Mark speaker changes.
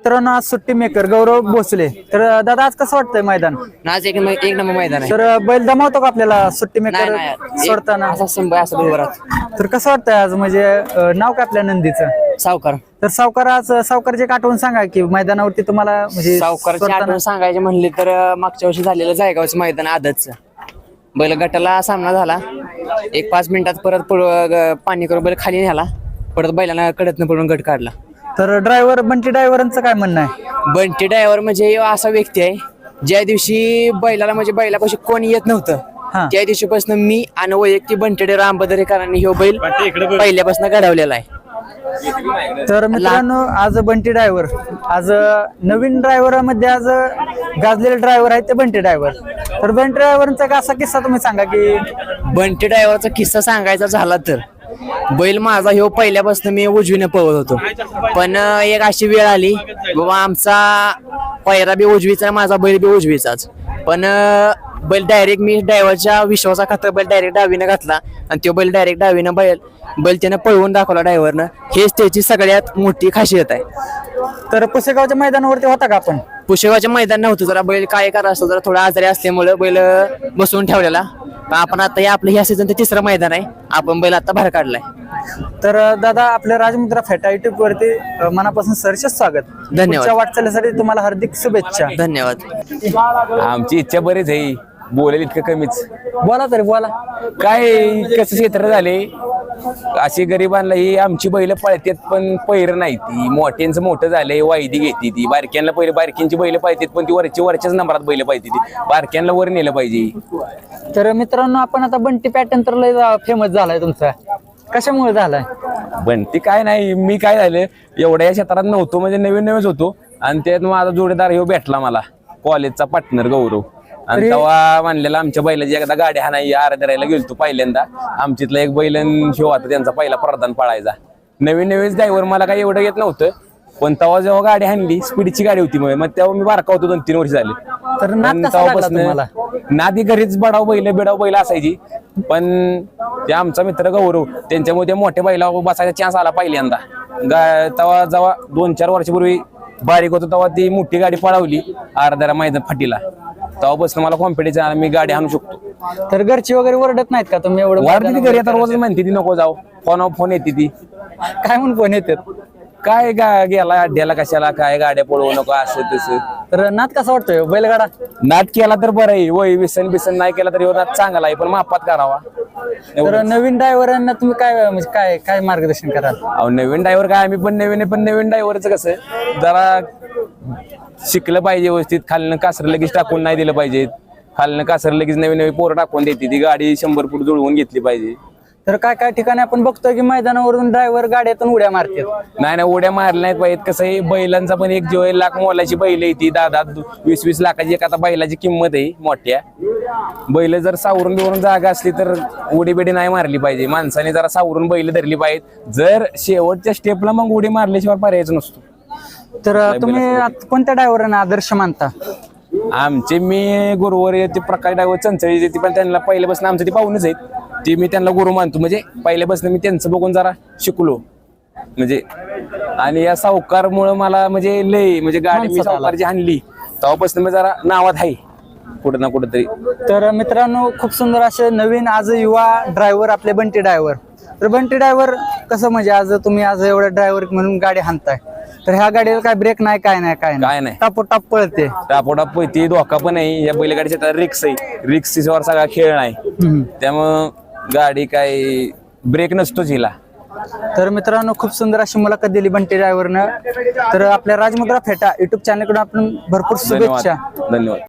Speaker 1: मित्रांनो आज सुट्टी मेकर गौरव भोसले. तर दादा आज कसं वाटतंय मैदान?
Speaker 2: आज एक नंबर मैदान आहे.
Speaker 1: तर बैल दमावतो का आपल्याला सुट्टी मेकर
Speaker 2: नाही
Speaker 1: सोडताना?
Speaker 2: असा संभय असं उभं
Speaker 1: तर कसं वाटतंय आज म्हणजे नाव काय आपल्या नंदीचं?
Speaker 2: सावकार.
Speaker 1: तर सावकार आज सावकारची एक आठवण सांगा की मैदानावरती तुम्हाला म्हणजे
Speaker 2: सावकारची
Speaker 1: सोडताना-
Speaker 2: आठवण सांगायची म्हणली तर मागच्या वर्षी झालेलं जायगावचं मैदान आदतचं बैल गटाला सामना झाला. एक 5 मिनिटात परत पाणी करून बैल खाली न्याला, परत बैलांना कडतनं पडून गट काढला.
Speaker 1: तर ड्रायव्हर बंटी ड्रायव्हरांचं काय म्हणणं आहे?
Speaker 2: बंटी ड्रायव्हर म्हणजे असा व्यक्ती आहे ज्या दिवशी बैलाला म्हणजे बैलापाशी कोणी येत नव्हतं
Speaker 1: हा.
Speaker 2: त्या दिवशीपासून मी आणि वैयक्तिक बंटी ड्रायव्हर आंबदरेकरांनी ह्यो बैल पहिल्यापासून घडवलेला आहे.
Speaker 1: तर मित्रांनो आज बंटी ड्रायव्हर आज नवीन ड्रायव्हरामध्ये आज गाजलेले ड्रायव्हर आहेत ते बंटी ड्रायव्हर. तर बंटी ड्रायव्हरचा असा किस्सा तुम्ही सांगा की
Speaker 2: बंटी ड्रायव्हरचा किस्सा सांगायचा झाला तर बैल माझा ह्यो पहिल्यापासून मी उजवीने पळत होतो, पण एक अशी वेळ आली बाबा आमचा पैरा बी उजवीचा माझा बैल बी उजवीचाच, पण बैल डायरेक्ट मी ड्रायव्हरच्या विश्वासा खातर बैल डायरेक्ट डावीनं घातला आणि तो बैल डायरेक्ट डावीनं बैल त्यानं पळवून दाखवला ड्रायव्हरनं. हेच त्याची सगळ्यात मोठी खासियत आहे.
Speaker 1: तर पुसेगावच्या मैदानावरती होता का आपण?
Speaker 2: पुशेगावच्या मैदान नव्हतं, जरा बैल काय करा असतो जरा थोडा आजारी असल्यामुळे बैल बसवून ठेवलेला. पण आपण आता आपण ह्या सीझनचं 3रं मैदान आहे, आपण बैल आता बाहेर काढलाय.
Speaker 1: तर दादा आपल्या राजमुद्रा फेटा युट्यूब वरती मनापासून सहर्ष स्वागत.
Speaker 2: धन्यवाद.
Speaker 1: पुढच्या वाटचालीसाठी तुम्हाला हार्दिक शुभेच्छा.
Speaker 2: धन्यवाद.
Speaker 3: आमची इच्छा बरीच आहे, बोलेल इतकं कमीच.
Speaker 1: बोला तरी बोला.
Speaker 3: काय कसं क्षेत्र झाले अशी गरिबांना ही आमची बैल पळतात पण पैर नाही. ती मोठ्यांचं मोठं झालंय वायदी घेते ती, बारक्यांना पहिले बारक्यांची बैल पाहिजेत पण ती वरच्याच नंबरात बैल पाहिजे, ती बारक्यांना वर नेलं पाहिजे.
Speaker 1: तर मित्रांनो आपण आता बंटी पॅटर्न तर लय फेमस झालाय तुमचा, कशामुळे झालाय?
Speaker 3: पण ती काय नाही, मी काय झालं एवढ्या या क्षेत्रात नव्हतो म्हणजे नवीनच होतो आणि त्यात माझा जोडीदार ह्यो भेटला मला, कॉलेजचा पार्टनर गौरव. आणि तेव्हा म्हणलेला आमच्या बैलाची एकदा गाडी हा नाही आराधरायला गेलतो पहिल्यांदा. आमच्यातला एक बैल शिव होता त्यांचा पहिला प्रधान पळायचा. नवीन ड्रायव्हर मला काही एवढं येत नव्हतं, पण तेव्हा जेव्हा गाडी हाणली स्पीडची गाडी होती मग तेव्हा मी बारका होतो 2-3 वर्ष झाले.
Speaker 1: तर नाद कसा लागला तुम्हाला?
Speaker 3: नादी घरीच बिडाव बैल असायची, पण ते आमचा मित्र गौरव त्यांच्यामुळे त्या मोठ्या बैला बसायचा चान्स आला पहिल्यांदा. तेव्हा जेव्हा 2-4 वर्षापूर्वी बारीक होतो तेव्हा ती मोठी गाडी पळवली आराधरा मैदान फाटीला, तेव्हापासून मला कॉन्फिडन्स आला मी गाडी आणू शकतो.
Speaker 1: तर घरची वगैरे ओरडत नाहीत का तुम्ही एवढं?
Speaker 3: वाढती ती घरी आता रोज म्हणते ती नको जाऊ, फोन येते ती
Speaker 1: काय म्हणून फोन येतात?
Speaker 3: काय गेला अड्ड्याला कशाला काय गाड्या पळवू नको असं तसं.
Speaker 1: तर नाद कसा वाटतोय बैलगाडा?
Speaker 3: नाद केला तर बरं आहे, वय बिसन नाही केला तर नाद चांगला आहे पण मापात करावा.
Speaker 1: तर नवीन ड्रायव्हरांना तुम्ही काय म्हणजे काय मार्गदर्शन कराल?
Speaker 3: अहो नवीन ड्रायव्हर काय आम्ही पण नवीन आहे, पण नवीन ड्रायव्हरचं कसं जरा शिकलं पाहिजे व्यवस्थित. खालनं कासर लगेच टाकून नाही दिलं पाहिजे, खालनं कासर लगेच नवी पोरं टाकून देते ती गाडी 100 फूट जुळवून घेतली पाहिजे.
Speaker 1: तर काय ठिकाणी आपण बघतोय की मैदानावरून ड्रायव्हर गाड्यातून उड्या मारतात.
Speaker 3: नाही उड्या मारल्या नाहीत पाहिजेत. कसं आहे बैलांचा पण एक 1 लाख मोलाची बैल आहे ती, 10-20 लाखाची एक आता बैलाची किंमत आहे मोठ्या. बैल जर सावरून बिवरून जागा असली तर उडी बिडी नाही मारली पाहिजे. माणसाने जरा सावरून बैल धरली पाहिजेत. जर शेवटच्या स्टेपला मग उडी मारल्याशिवाय पर्यायच नसतो.
Speaker 1: तर तुम्ही कोणत्या ड्रायव्हरांना आदर्श मानता?
Speaker 3: आमचे मी गुरुवर ते प्रकाश ड्रायव्हर चंचळी ती पण त्यांना पहिल्यापासून आमचं ती पाहूनच आहेत, ती मी त्यांना गुरु मानतो. म्हणजे पहिल्यापासून मी त्यांचं बघून जरा शिकलो म्हणजे. आणि या सावकारमुळे मला म्हणजे लय म्हणजे गाडी मी सावकारची आणली तेव्हापासून मी जरा नावात आहे कुठं ना कुठं तरी.
Speaker 1: तर मित्रांनो खूप सुंदर असे नवीन आज युवा ड्रायव्हर आपले बंटी ड्रायव्हर. तर बंटी ड्रायव्हर कसं म्हणजे आज तुम्ही आज एवढं ड्रायव्हर म्हणून गाडी हाणताय, तर ह्या गाडीला काय ब्रेक नाही काय नाही टापोटाप पळते.
Speaker 3: टापोटाप पळते, धोका पण आहे. या बैलगाडीच्या रिक्स आहे, रिक्सवर सगळा खेळ नाही, त्यामुळं गाडी काय ब्रेक नसतोच हिला.
Speaker 1: तर मित्रांनो खूप सुंदर अशी मुलाखत दिली बंटी ड्रायव्हरनं. तर आपल्या राजमुद्रा फेटा युट्यूब चॅनलकडून आपण भरपूर शुभेच्छा.
Speaker 3: धन्यवाद.